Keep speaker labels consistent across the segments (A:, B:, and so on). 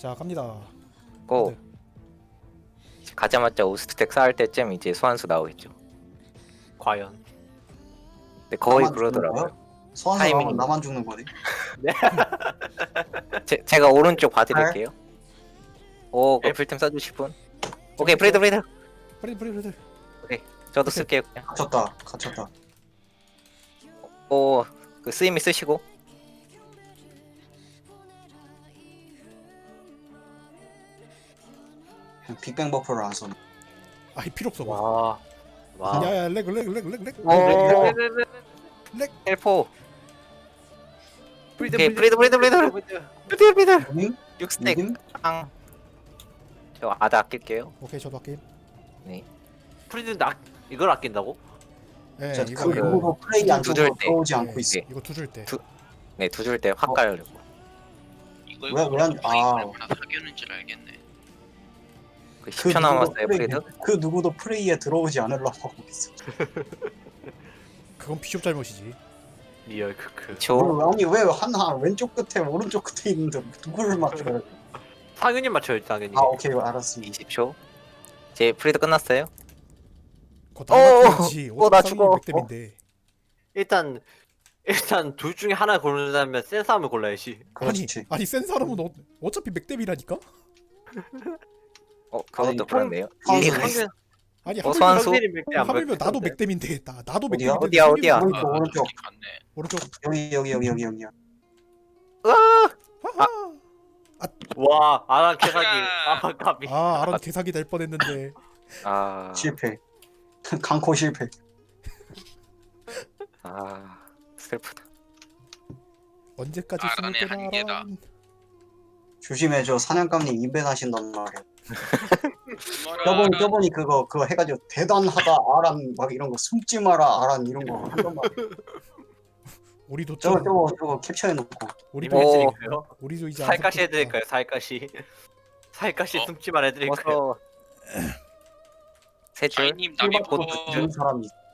A: 자 갑니다.
B: 고
A: 네.
B: 가자마자 오스텍 쌓을 때쯤 이제 소환수 나오겠죠.
C: 과연.
B: 근데 거의
D: 나만 죽는
B: 그러더라고요.
D: 거야? 소환수
B: 타이밍이.
D: 나오면 나만 죽는 거네.
B: 제가 오른쪽 봐드릴게요. 오, 그
C: 네.
B: 풀템 써주실 분. 오케이, 프리드.
A: 프리드.
B: 저도 쓸게요. 그냥.
D: 갇혔다.
B: 오, 그 쓰임이 쓰시고.
D: 빅뱅 버프를 안 써네.
A: 아이 필요 없어.
C: 와. 와.
A: 야야 렉.
B: 오, 헬포. 오케이, 프리드.
D: 님?
B: 6스택.
D: 님?
B: 빵. 저 아다 아낄게요.
A: 오케이 저도 할게.
B: 네.
C: 프리드 이걸 아낀다고?
A: 예
D: 저
A: 이거
D: 그 누구도 플레이 안
B: 두줄
D: 주고
B: 때.
D: 들어오지 않고
A: 네.
D: 있어.
A: 이거 두 줄 때.
B: 네, 두 줄 때 확 가려고.
E: 사귀는 줄 알겠네.
B: 그 10초 남았어요, 프리드.
D: 그 누구도 플레이에 들어오지 않으려고 하고 있어.
A: 그건 비숍 잘못이지.
C: 리얼 크크.
B: 2초.
D: 아니 왜 하나 왼쪽 끝에 오른쪽 끝에 있는데 누구를 맞춰야 돼?
C: 당연히 맞춰야지 당연히.
D: 아 오케이 알았습니다.
B: 20초. 제 프리드 끝났어요.
A: 그거 다 맞춰야지.
B: 나 죽어.
A: 맥댐인데.
C: 일단 둘 중에 하나 고른다면 센 싸움을 골라야지.
D: 그렇지.
A: 아니 센 사람은 어차피 맥댐이라니까.
B: 그것도
D: 아니,
B: 그렇네요.
D: 소환수
B: 일리가 있어.
A: 아니
B: 소환수?
A: 하물며 나도 맥댐인데 나도
D: 어디야?
A: 맥댐인데
B: 어디야?
D: 오른쪽 오른쪽
E: 갔네.
A: 오른쪽.
D: 여기야.
A: 하하.
C: 와 아랑 개사기. 아 까비.
A: 아 아론 개사기 될 뻔했는데.
B: 아,
D: 실패. 강코 실패.
B: 슬프다.
A: 언제까지
E: 아론의
A: 숨을 거나
E: 한계다.
A: 아론.
D: 조심해줘 사냥감님 인벤하신단 말이야.
E: 뭐라
D: 저번이 그거 해가지고 대단하다 아란 막 이런 거 숨지 마라 아란 이런 거 한단 말이야.
A: 우리도 좀
D: 저거 캡처해놓고.
A: 우리도
B: 오.
C: 해드릴까요?
A: 우리도 이제
C: 살까시
A: 안타깝다.
C: 해드릴까요? 살까시
E: 어?
C: 숨지만 해드릴까요?
B: 어서 세 줄.
E: 아이님 남이
D: 곧
E: 보고
D: 죽는 사람이 있어.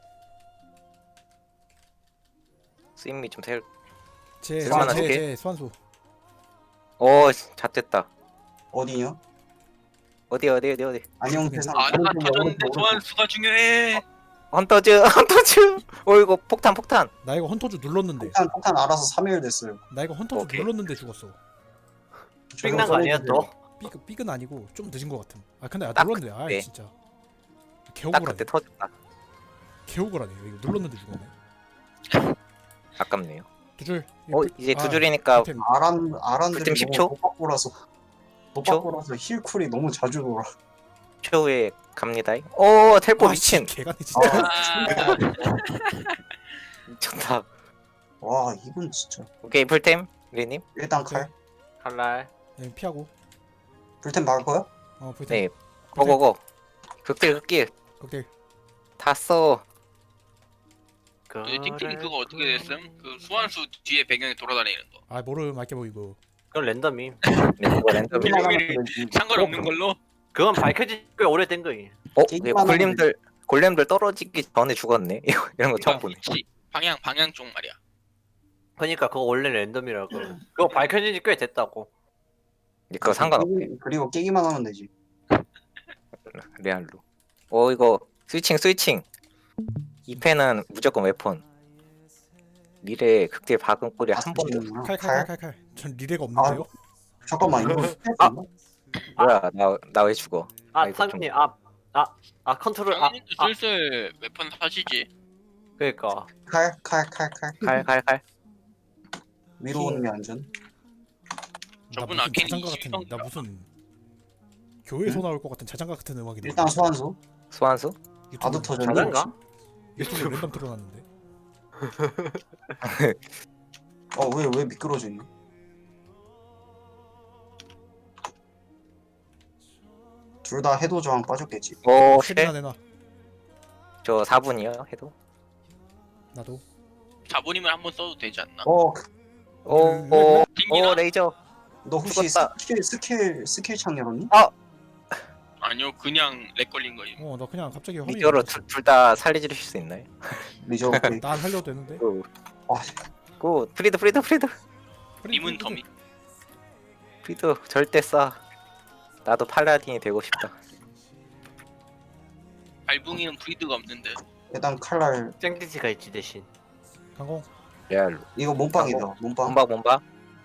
B: 쓰임이 좀 셀.
A: 제
B: 쓸만한 게?
A: 소환수.
B: 잣됐다.
D: 어디냐?
B: 어디.
D: 안녕 세상.
E: 아나 터졌는데 소환수가 중요해.
B: 헌터즈. 이거 폭탄.
A: 나 이거 헌터즈 눌렀는데.
D: 폭탄 알아서 3일 됐어요.
A: 나 이거 헌터즈
B: 오케이.
A: 눌렀는데 죽었어.
C: 삥난 거 아니야 또?
A: 삐은 아니고 좀 늦은 것 같음. 아 근데
B: 딱
A: 눌렀는데 아
B: 그때.
A: 진짜
B: 딱
A: 개억울하네.
B: 그때 터졌다.
A: 개억울하네. 이거 눌렀는데 죽었네.
B: 아깝네요.
A: 두 줄.
B: 이제 두 줄이니까
A: 템.
D: 아란들이
B: 그때 10초?
D: 너무 도박고라서 힐쿨이 너무 자주 돌아.
B: 초에 갑니다. 텔포 미친.
A: 개가네 진짜.
E: 아,
B: 미쳤다.
D: 와 이건 진짜.
B: 오케이, 풀템. 리님.
D: 일단 칼.
C: 칼날.
A: 네, 피하고.
D: 불템 막을 거야?
A: 불템.
B: 네. 고고고. 극딜.
A: 오케이.
B: 다 써.
E: 그 띵띵 그거 어떻게 됐음? 그 소환수 뒤에 배경에 돌아다니는 거.
A: 아 모르 말게 보이고.
C: 그건 랜덤임.
B: 네, 그거 랜덤.
E: 상관없는 걸로?
C: 그건 밝혀진 꽤 오래된 거임.
B: 네, 골렘들 떨어지기 전에 죽었네. 이런 거 처음 보네.
E: 그치. 방향 쪽 말이야.
C: 그러니까 그거 원래 랜덤이라고. 그거 밝혀진 지 꽤 됐다고.
B: 그거 상관없네.
D: 그리고 깨기만 하면 되지.
B: 레알로. 이거 스위칭. 2패는 무조건 웨폰. 미래 극딜 박은 꼴이 한 번도.
A: 칼. 전 리레가 없는데요.
D: 잠깐만 이거
B: 아! 뭐야, 나 왜 죽어?
C: 아
B: 이거
C: 상민이 컨트롤
E: 당연히도 슬슬 웨폰 사시지.
C: 그러니까
D: 칼
B: 칼.
D: 위로 오는 게 안전.
A: 나
E: 저분
A: 무슨
E: 아케니
A: 자장가 같은.
E: 20
A: 나 무슨 교회에서 나올 것 같은 자장가 같은 음악이 나.
D: 일단 소환수.
B: 소환수?
D: 아도 터졌네.
C: 자장가?
A: 유튜브 랜덤 틀어놨는데.
D: 왜 미끄러지니? 둘 다 해도 저항 빠졌겠지.
A: 쉐리나 내놔.
B: 저 4분이요 해도.
A: 나도.
E: 자본이면 한번 써도 되지 않나?
B: 오, 레이저.
D: 너 혹시
B: 죽었다.
D: 스킬 창 열었니?
E: 아니요 그냥 렉 걸린 거임.
A: 나 그냥 갑자기 허리.
B: 리저로 둘 다 살려주실 수 있나요?
D: 리저 오케이.
A: 나 살려도 되는데.
D: 아,
B: 고 프리드.
E: 님은 더미.
B: 브리드 절대 쏴. 나도 팔라딘이 되고 싶다.
E: 발붕이는 브리드가 없는데.
D: 일단 칼날
C: 쨍디지가 있지 대신.
A: 강공.
B: 레알로.
D: 이거 몸빵이다. 몸빵.
B: 몸박.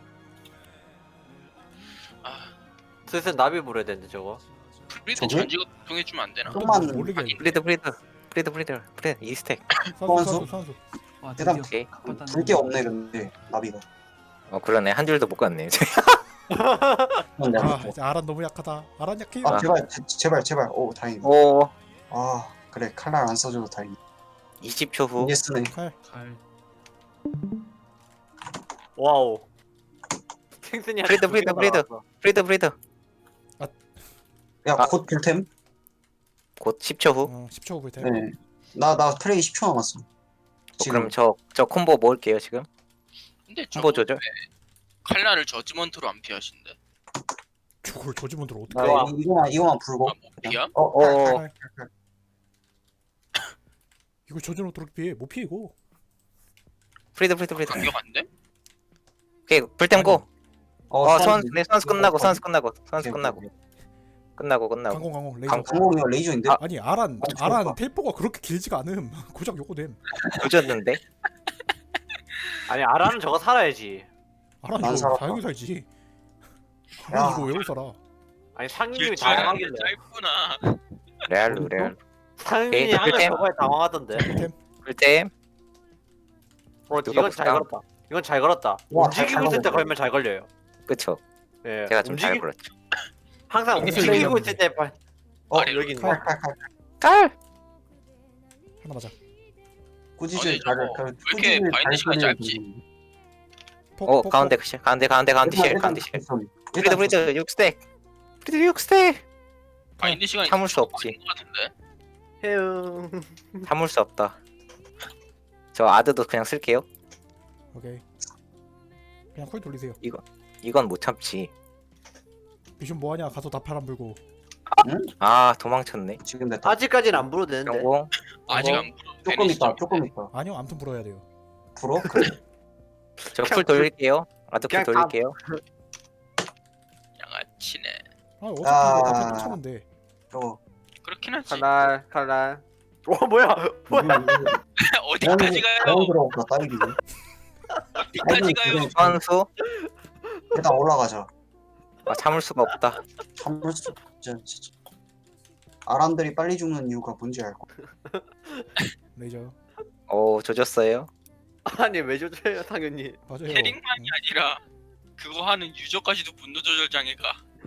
E: 아
C: 슬슬 나비 부려야 되는데 저거.
E: 브리드
D: 저게?
E: 전지가 통해주면 안 되나?
D: 좀만
A: 모르게.
B: 브리드. 이스택.
A: 선수 선수.
F: 와
D: 일단
F: 드디어
B: 오케이.
F: 갚았다는
D: 불게 없네 근데 나비가.
B: 그러네. 한 줄도 못 갔네.
D: 그건
A: 아
D: 나비.
A: 이제 아란 너무 약하다. 아란 약해.
D: 아 제발. 오 다행이다.
B: 오.
D: 아 그래 칼날 안 써줘도 다행이다.
B: 20초 후.
D: 이게 쓰네.
A: 칼.
F: 칼
C: 와우. 탱슨이
B: 브리드.
D: 야
B: 아.
D: 곧 불템.
B: 곧 10초 후.
A: 10초 후 볼때.
D: 네. 나 프레이 10초 남았어. 지금
B: 그럼 저 콤보 모을게요 지금.
E: 근데 저
B: 콤보 조절.
E: 칼날을 저지먼트로 안 피하신대.
A: 저걸 저지먼트로 어떻게?
B: 아,
D: 네, 이거만 불고.
E: 아, 못 피함?
B: 어.
A: 칼. 이거 저지먼트로 피해. 못 피해 이거.
B: 브리드.
E: 간격 안 돼?
B: 오케이 불템 고.
D: 소환수.
B: 선수 끝나고.
D: 오케이.
B: 끝나고.
A: 강공 레이저.
D: 강공이가 레이저인데.
A: 아니 아란
D: 좋다.
A: 텔포가 그렇게 길지가 않음. 고작 요거됨.
B: 조졌는데.
C: 아니 아라는 저거 살아야지.
A: 아란
D: 안
A: 이거
D: 살았다.
A: 다행히 살지.
D: 야.
A: 아란 이거 왜 살아?
C: 아니 상님이
E: 길줄
C: 당황하길래.
E: 짧구나.
B: 레알로.
C: 상님이
B: 오케이,
C: 항상
B: 꿀템.
C: 저거에 당황하던데.
A: 템.
B: 불템.
C: 이건 잘 걸었다. 이건 잘 걸었다.
D: 와,
C: 움직이고
D: 잘
C: 있을 때
D: 걸었네.
C: 걸면 잘 걸려요.
B: 그쵸.
C: 예.
B: 제가 좀 잘 걸었죠.
C: 항상
A: 이게
C: 움직이고
A: 틀리겠네.
C: 있을 때 발.
E: 아래
C: 여기 있네.
A: 칼.
D: 칼칼칼.
B: 깔.
A: 하나 맞아.
D: 꾸짖을
E: 아니,
D: 잘.
E: 저거 왜 이렇게 바인드 시간이 짧지?
A: 폭,
B: 가운데 실. 가운데 실. 브리드 6스택. 브리드 6스택.
E: 바인드 시간이
B: 참을 수 없지.
E: 걸린 것 같은데.
C: 해응.
B: 참을 수 없다. 저 아드도 그냥 쓸게요.
A: 오케이. 그냥 콜 돌리세요.
B: 이건 못 참지.
A: 미션 뭐하냐? 가서 나팔 안 불고.
B: 아 도망쳤네.
D: 지금 됐다.
C: 아직까지는 안 불어도 되는데.
B: 경공.
E: 아직 안 불어.
D: 조금 있다. 조금 있다.
A: 아니요, 아무튼 불어야 돼요.
D: 불어? 그래.
B: 저 풀 돌릴게요. 아드 풀
C: 그냥 다-
B: 돌릴게요.
E: 양아치네.
A: 아 어차피 이거 나팔
D: 아.
A: 쫓아는데.
D: 저거.
E: 그렇긴 하지.
C: 칼날. 뭐야?
E: 어디까지 가요?
D: 너무 들어온다 딸기.
E: 어디까지 가요?
B: 선수.
D: 일단 올라가자.
B: 참을 수가 없다.
D: 참을 수 진짜. 아람들이 빨리 죽는 이유가 뭔지 알 거야.
A: 레이저.
B: 오 조졌어요.
C: 아니 왜 조져요 당연히.
A: 맞아요.
E: 캐릭만이 아니라 그거 하는 유저까지도 분노 조절 장애가.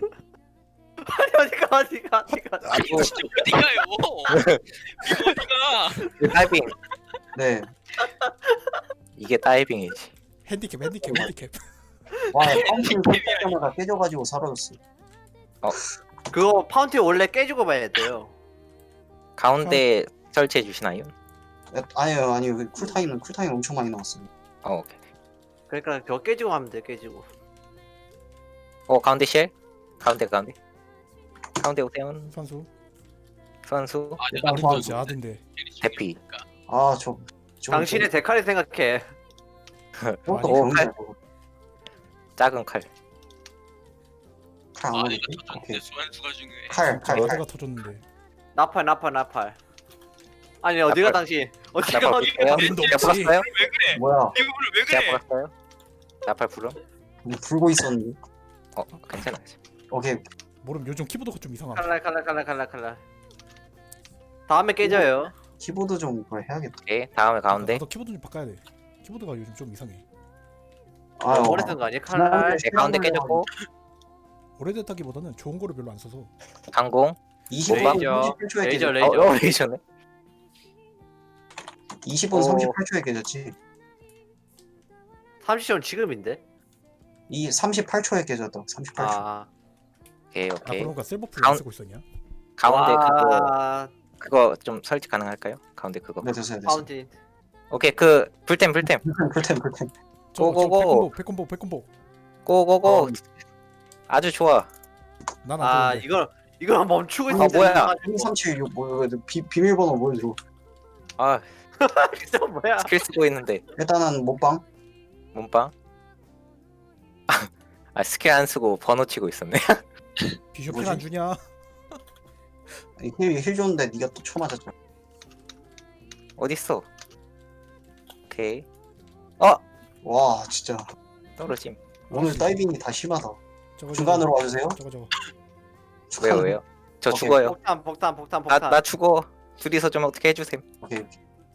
C: 어디가.
E: 아니 진짜 어디 가요? 이거 어디가?
B: 다이빙.
D: 네.
B: 이게 다이빙이지.
A: 핸디캡.
D: 와, 파운틴 때마다 깨져가지고 사라졌어.
C: 그거 파운틴 원래 깨지고 봐야 돼요.
B: 가운데 설치해 주시나요?
D: 아니요. 그 쿨타임은 엄청 많이 나왔어요.
B: 오케이.
C: 그러니까 그거 깨지고 하면 돼 깨지고.
B: 가운데 실. 가운데 오세훈
A: 선수.
E: 아
D: 일단
E: 내가
D: 뭐
A: 아든지 아든데.
B: 대피.
D: 아, 저
C: 당신의 데칼이 생각해.
D: 저것도
B: 오,
D: 병이야.
B: 작은 칼.
D: 칼안
E: 아
D: 오네.
E: 이거 터졌는데
D: 오케이.
E: 수완수가 중요해.
D: 칼.
A: 어디가 터졌는데.
C: 나팔. 아니 어디가
B: 나팔.
C: 당신?
B: 나팔
C: 어디가
B: 볼게요.
A: 이름도
B: 제가
A: 없지.
B: 불었어요?
E: 왜 그래?
D: 뭐야?
E: 이거를 왜
B: 제가
E: 그래?
B: 불었어요? 나팔 불음?
D: 그냥 불고 있었는데.
B: 괜찮아요.
D: 오케이.
A: 모름 요즘 키보드가 좀 이상함.
C: 칼날. 다음에 깨져요.
D: 키보드 좀 그걸 해야겠다.
B: 오케이. 다음에 가운데.
A: 나도 키보드 좀 바꿔야 돼. 키보드가 요즘 좀 이상해.
D: 아유,
C: 오래 쓴 거 아니야? 칼날.
B: 네, 가운데 깨졌고.
A: 오래됐다기보다는 좋은 거를 별로 안 써서.
B: 강공.
D: 20분
C: 레이저.
D: 38초에
C: 레이저.
D: 깨졌지.
B: 레이저네.
D: 20분 38초에 깨졌지.
C: 30분 지금인데?
D: 이 38초에 깨졌다. 38초.
C: 아.
B: 오케이.
A: 아 그러니까 셀버풀
B: 가운-
A: 안 쓰고 있었냐?
B: 가운데
C: 와,
B: 그거 좀 설치 가능할까요? 가운데 그거.
D: 네, 됐어요.
C: 파운틴.
B: 오케이. 불템.
D: 불템.
A: 저 백콤보.
B: 고고고. 아주 좋아.
A: 난안
C: 아
A: 되는데.
C: 이걸 멈추고
D: 아,
C: 있는데.
B: 뭐야?
D: 1376 뭐야? 비밀번호 보여줘.
B: 아
C: 저 뭐야?
B: 스킬 쓰고 있는데
D: 일단은 몸빵.
B: 몸빵. 아 스킬 안 쓰고 번호 치고 있었네.
A: 비숍
D: 뭐지?
A: 힐안 주냐?
D: 힐 줬는데 네가 또 쳐맞았잖아.
B: 어딨어? 오케이.
D: 와 진짜
B: 떨어짐.
D: 오늘 다이빙이 다 심하다.
A: 저거,
D: 중간으로 와주세요.
A: 저거.
B: 왜요 왜요? 저
D: 오케이.
B: 죽어요.
C: 폭탄.
B: 나 죽어. 둘이서 좀 어떻게 해주셈.
D: 오케이.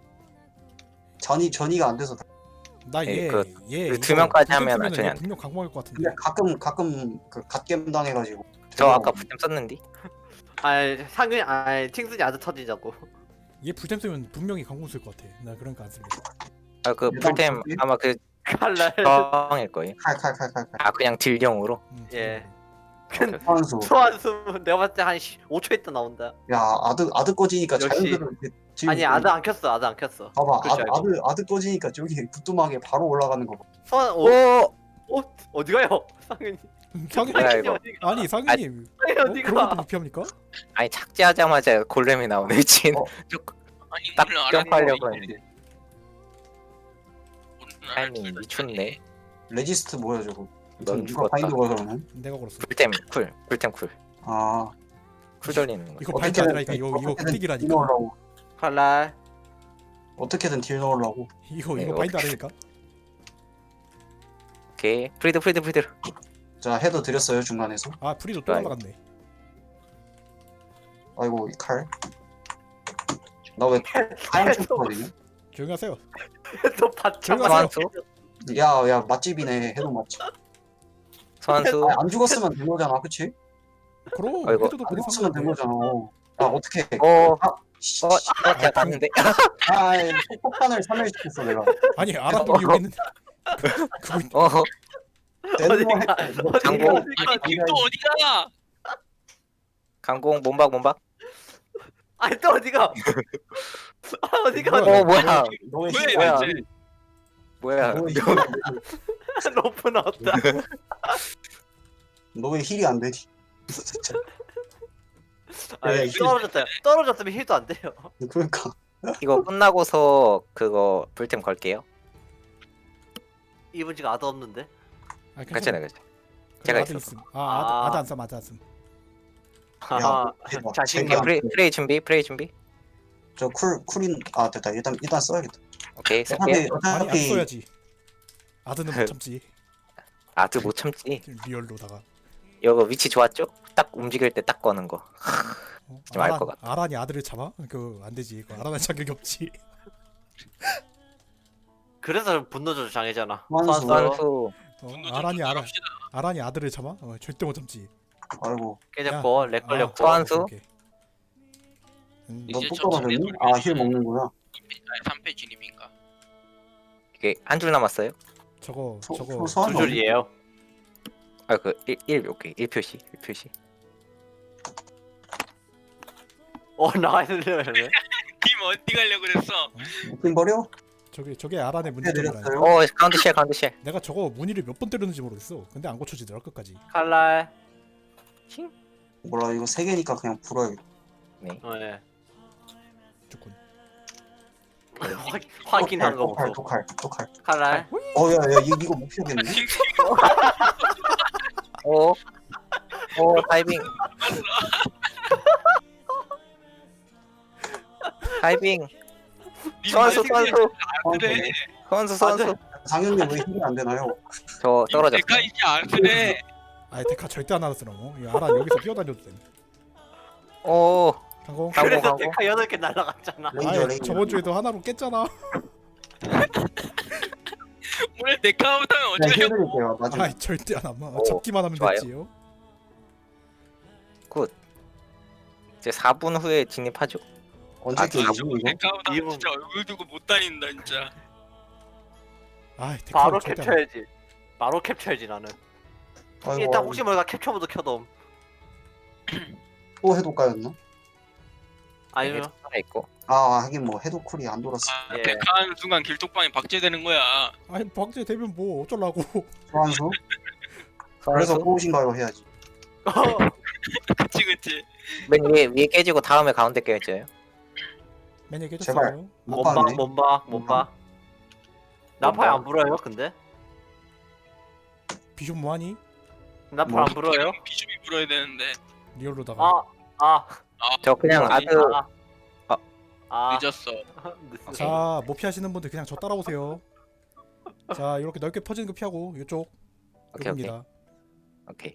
D: 전이가 안 돼서.
A: 나얘
B: 그
A: 얘
B: 두 명까지 하면
A: 쓰면은
B: 전혀
A: 얘
B: 안 돼.
A: 분명 강공할 것 같은데.
D: 근데 가끔 그 갓겜 당해가지고.
B: 저 아까 부템 썼는데.
C: 상윤 팅순이 아주 터지자고.
A: 얘 불템 쓰면 분명히 강공 쓸 것 같아. 나 그러니까 안 쓸래.
B: 아 그
D: 일단
B: 풀템
D: 뭐지?
B: 아마 그
C: 칼날.
B: 정일 거예요.
D: 칼.
B: 아 그냥 딜용으로.
C: 예.
D: 소환수.
C: 소환수 내가 봤을 때 한 5초 있다 나온다.
D: 야 아드 꺼지니까
C: 역시.
D: 자연스러워.
C: 아니 아드 안 켰어.
D: 봐봐
C: 그렇지, 알고.
D: 아드 꺼지니까 저기 부뚜막에 바로 올라가는 거 봐.
C: 소환
B: 오.
C: 어디 가요? 상윤이.
A: 상윤
B: 뭐야, 이거.
A: 아니 상윤님
C: 상윤이 어디
A: 그런 것도
C: 가?
A: 못 피합니까?
B: 아니 착지하자마자 골렘이 나오네 미친.
E: 아니
B: 딱
E: 몰라,
B: 점프하려고
E: 알았는데.
B: 했는데.
E: 오늘
B: 타이밍
E: 알았어.
B: 미쳤네.
D: 레지스트 뭐야 저거?
B: 넌
D: 누가
B: 죽었다.
D: 바인드 걸어 그러면?
A: 내가 걸었어.
B: 풀템 쿨. 풀템 쿨.
D: 아
B: 쿨 돌리는 거.
A: 이거 바인드 아니라니까. 이거
D: 어떻게든 딜
A: 끄틱이라니까.
D: 넣으려고.
C: 칼날.
D: 어떻게든 딜 넣으려고.
A: 이거
B: 네,
A: 바인드 아니니까.
B: 오케이. 프리드.
D: 자 헤더 드렸어요 중간에서.
A: 아 프리도 또
B: 아이고.
A: 날라갔네.
D: 아이고 이 칼. 나 왜 하얀 쳤거든요?
A: 조용히 하세요.
C: 또 받쳐.
B: 소환수.
D: 야 맛집이네 해도 맛집.
B: 소환수.
D: 안 죽었으면 된 거잖아, 그치?
A: 그럼
B: 아이고.
A: 해도
D: 안
A: 그래
D: 죽었으면 된
A: 상관없네.
D: 거잖아. 아 어떻게?
B: 어.
D: 씨.
B: 제가 봤는데.
D: 폭탄을 사멸시켰어 내가.
A: 아니 알았더니 여기 있는데. 그거
B: 어.
C: 어디가?
B: 장고.
E: 아니 팀도 어디가?
B: 강공 몸박.
C: 아니 또 어디가? 어디가?
A: 뭐야?
B: 뭐야.
D: 너의
E: 왜
D: 힘이
B: 뭐야.
D: 안
E: 대체?
D: 돼.
B: 뭐야.
D: 너의 힘이 안 돼.
C: 로프 나왔다.
D: 너의 힐이 안 되지. 진짜.
C: 아니 떨어졌으면 힐도 안 돼요.
D: 그러니까
B: 이거 끝나고서 그거 풀템 걸게요.
C: 이분 지금 아드 없는데?
A: 아,
B: 괜찮아요.
A: 그래,
B: 제가
A: 아드
B: 있어서.
A: 있음. 아 아드 안 쌈. 아드 안 쌈.
C: 하하.
D: 대박.
C: 자신감.
B: 오케이, 프레이 준비.
D: 저 쿨인 됐다. 일단 써야겠다.
B: 오케이,
D: 어차피
B: 쓸게요.
A: 아니 안
D: 어차피
A: 써야지. 아드는 못 참지.
B: 아드 못 참지.
A: 리얼로다가.
B: 이거 위치 좋았죠? 딱 움직일 때 딱 거는 거. 좀알것 같아.
A: 아란이 아들을 참아? 그 안 되지. 그 아란한 자격이 없지.
C: 그래서 분노조절 장애잖아.
D: 소환수.
B: 소환수.
E: 분노 좀
A: 아란이
E: 조절합시다.
A: 아란이 아들을 참아? 절대 못 참지.
D: 아이고
C: 깨졌고 렉 걸렸고.
B: 소환수.
A: 오케이.
E: 이제
D: 너또
E: 저
D: 떨어졌니?
E: 집에
D: 아힐 먹는구나.
E: 3패 진입인가?
B: 이게 한 줄 남았어요?
A: 저거
D: 소-
A: 저거
D: 소- 소환-
C: 두 줄이에요.
B: 아, 그 1 오케이. 1표시.
C: 나가려네.
E: 팀 어디 가려고 그랬어?
D: 핀 버려?
A: 저게 아란의 문제점이라.
D: 해드렸어요.
B: 가운데 쉘.
A: 내가 저거 문의를 몇 번 때렸는지 모르겠어. 근데 안 고쳐지더라 끝까지.
C: 칼날.
D: 몰라 이거 3개니까 그냥 불어야겠다.
C: 네.
A: 조금.
C: 확인한 거 보소.
D: 독칼.
C: 칼날.
D: 야야 이거 못 피우겠네.
B: 오, 다이빙. 소환수.
E: 그래.
B: 소환수.
D: 장현님 왜 힐이 안 되나요?
B: 저 떨어졌어.
E: 내가 이제 안 그래.
A: 아이 데카 절대 안 알았어 너. 이 아란 여기서 뛰어다녀도 돼.
B: 오,
A: 강공.
B: 강공.
C: 그래서 데카 8개 날라갔잖아.
A: 아이 저번 주에도 하나로 깼잖아.
E: 오늘 내가 하면
D: 그냥
E: 어떻게 하려고?
D: 해드릴게요. 나중에.
A: 아이 절대 안 하마.
B: 오,
A: 잡기만 하면
B: 좋아요.
A: 됐지요.
B: 이제 4분 후에 진입하죠.
D: 언제
B: 아,
D: 깨지지 이거?
E: 내가 하면
C: 이분.
E: 진짜 얼굴 두고 못 다닌다 진짜.
A: 아이 데카
C: 바로
A: 절대 안 해.
C: 캡처해야지. 바로 캡처해야지 나는.
D: 아이고,
C: 일단 혹시 모르니까 캡처 모드 켜돔.
D: 또 해독가였나?
C: 아니면
B: 하나 있고.
D: 하긴 뭐 해독쿨이 안 돌았어.
E: 아,
C: 예.
E: 데카하는 순간 길톡방이 박제되는 거야.
A: 아이 박제 되면 뭐 어쩌려고.
D: 소환수? 그래서
B: 소환수.
D: 꼬우신가요 해야지.
E: 그치.
B: 맨 위에 깨지고 다음에 가운데 깨져요.
A: 맨 얘기
D: 제발.
A: 해줬어요.
D: 못 봤네.
C: 못 봐. 나파에 안 불어요 근데?
A: 비숍 뭐하니?
C: 나팔 안 불어요?
E: 비숍이 불어야 되는데
A: 리얼로다가
C: 아,
B: 저 그냥
C: 아니,
B: 아드
E: 늦었어.
C: 늦었어.
A: 자, 못 피하시는 분들 그냥 저 따라오세요. 자, 이렇게 넓게 퍼지는 거 피하고 이쪽
B: 오케이 오케이
A: 여기입니다.
B: 오케이.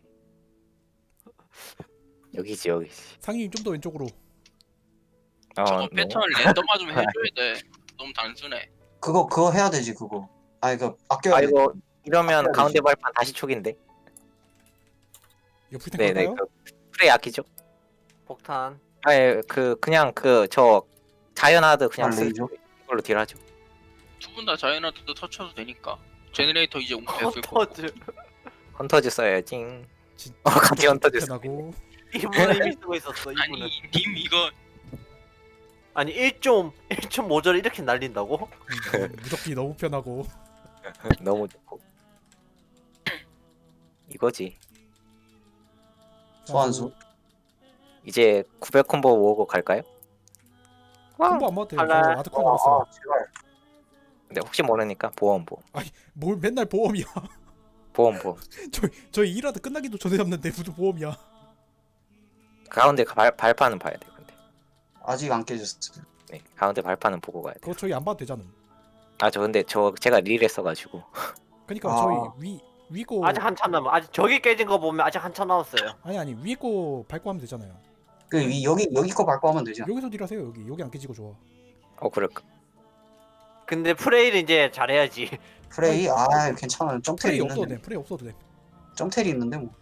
B: 여기지 여기지.
A: 상인님 좀 더 왼쪽으로.
E: 저거
B: 너-
E: 패턴 랜덤화 좀 해줘야 돼. 너무 단순해.
D: 그거 해야 되지 그거. 아 이거 아껴야
B: 아
D: 돼.
B: 이거 이러면
D: 아껴야
B: 가운데
D: 되지.
B: 발판 다시 촉인데.
A: 이거 풀탱
B: 네네.
A: 갈까요?
B: 그 프레이 아끼죠?
C: 폭탄.
B: 아예 그냥 저 자연 하드 그냥
D: 아, 레이저?
B: 이걸로 딜하죠.
E: 두 분 다 자이언트도 터쳐도 되니까. 제너레이터 이제 옮겼을 거고.
C: 터즈.
B: 헌터즈 써야지.
A: 진짜
B: 같이 헌터즈
A: 편하고.
C: 이분은 이미 쓰고 있었어. 이분은.
E: 아니 님 이거
C: 아니 1.5절 이렇게 날린다고?
A: 무적기 너무 편하고.
B: 너무 좋고. 이거지.
D: 소환수.
B: 이제 900 콤보 모으고 갈까요?
A: 콤보 안 맞대요. 저
C: 할래?
A: 아드콜 나갔어요.
D: 제발.
B: 근데 혹시 모르니까 보험.
A: 뭘 맨날 보험이야.
B: 보험.
A: 저희 일하다 끝나기도 전에 잡는데 무슨 보험이야.
B: 가운데 발판은 봐야 돼. 근데
D: 아직 안 깨졌어요.
B: 네, 가운데 발판은 보고 가야 돼.
A: 그거 저희 안 봐도 되잖아.
B: 저 근데 제가 릴했어가지고.
A: 그러니까
D: 아.
A: 저희 위고
C: 아직 한참 남아. 아직 저기 깨진 거 보면 아직 한참 남았어요.
A: 아니 위에 거 밟고 하면 되잖아요.
D: 여기 거 밟고 하면 되지.
A: 여기서 딜하세요. 여기 안 깨지고 좋아.
B: 그럴까?
C: 근데 프레이를 이제 잘해야지.
D: 프레이 아 괜찮아요. 점텔이
A: 프레이 없어도
D: 있는데.
A: 돼. 프레이 없어도 돼.
D: 점텔이 있는데 뭐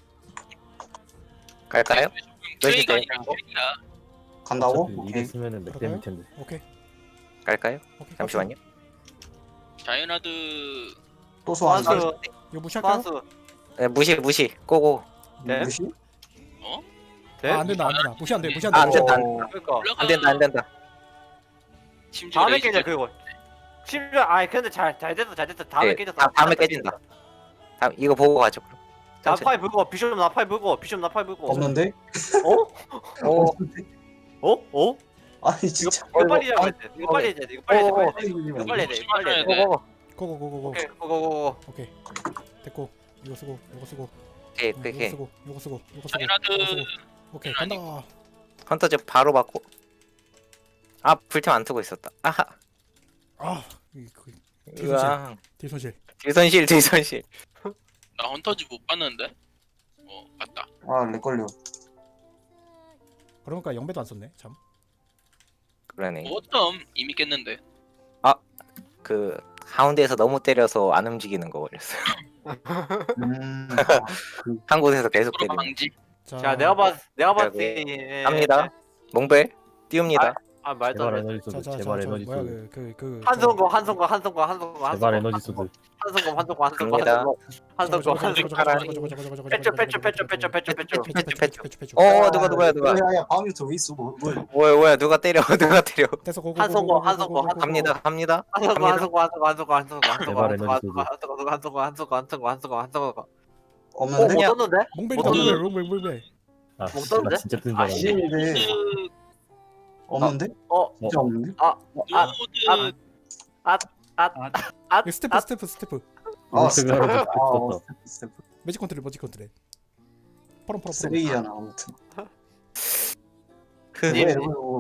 B: 갈까요?
E: 플레이가
B: 네.
E: 아니라 플레이야.
D: 간다고?
F: 어차피
D: 오케이.
F: 이게 쓰면은
A: 그럴까요?
F: 맥댐일 텐데.
A: 오케이.
B: 갈까요?
A: 오케이.
B: 잠시만요.
E: 자이언트
D: 또 소환수.
C: 소환수.
A: 이거 무시할까요?
C: 소환수.
B: 네, 무시. 고고.
C: 네?
D: 무시?
C: 돼?
A: 안 된다. 무시 안 돼. 무시 안
B: 안
A: 돼.
B: 된다.
C: 그러니까.
E: 올라가.
B: 안 된다.
E: 심지어
C: 다음에
E: 레이저
C: 깨져 그거. 심지어 아 근데 잘 됐어. 다음에
B: 네,
C: 깨졌어.
B: 다음에 깨진다. 다음 이거 보고 가죠. 그럼.
C: 나파이 불고 비숍 나파이 불고
D: 없는데?
C: 어?
B: 오.
C: 어?
D: 아니
C: 이거
D: 진짜.
C: 이거 빨리 해야 돼. 이거 빨리 해야 돼. 이거 빨리 해야 돼.
D: 빨리
C: 이거 빨리 해야 돼. 이거 빨리 해야 돼.
E: 네.
A: 고고고고고.
C: 오케이 고고고.
A: 오케이. 됐고. 이거 쓰고. 이거 쓰고.
B: 오케이
A: 이거
B: 오케이.
A: 쓰고. 이거 쓰고. 이거 쓰고.
E: 자이언트
A: 이거 쓰고. 오케이. 간다.
B: 헌터즈 바로 받고. 불템 안 트고 있었다. 아하.
A: 아. 그
B: 으아.
A: 딜손실.
B: 딜선실.
E: 나 헌터즈 못 봤는데. 봤다.
D: 아렉 걸려.
A: 그러니까 영배도 안 썼네. 참.
B: 그러네.
E: 어떤 이미 깼는데.
B: 그 가운데에서 너무 때려서 안 움직이는 거 걸렸어요. 한 곳에서 계속
E: 프로
B: 때리는.
E: 방지.
C: 자 내가 봤을
B: 네.
C: 때
B: 갑니다. 몽벨 띄웁니다.
C: 아 말도
F: 제발
C: 안 돼.
F: 에너지 소드.
A: 자자자
F: 제발 에너지
A: 뭐야
F: 소드.
A: 그
C: 한성거
F: 제발 에너지 소드.
B: 갑니다. 누가.
D: 야야 바우미터 왜 있어?
B: 뭐야 누가 때려.
A: 됐어 고고.
B: 갑니다.
D: 없는데?
B: 그냥-
A: 몽벨이다. 몽벨.
F: 아,
C: 못
F: 씨, 나
C: 떴는데?
F: 진짜 뜬줄 알았네.
D: 아닌데
E: 그
D: 없는데? 진짜 없는데?
E: 노드
A: 이거 스태프.
F: 스텝을 하러 떴다.
D: 스텝.
A: 매직 컨트롤. 퍼럼.
D: 쓰레기잖아 아무튼.
B: 그
C: 님,
D: 왜 이러고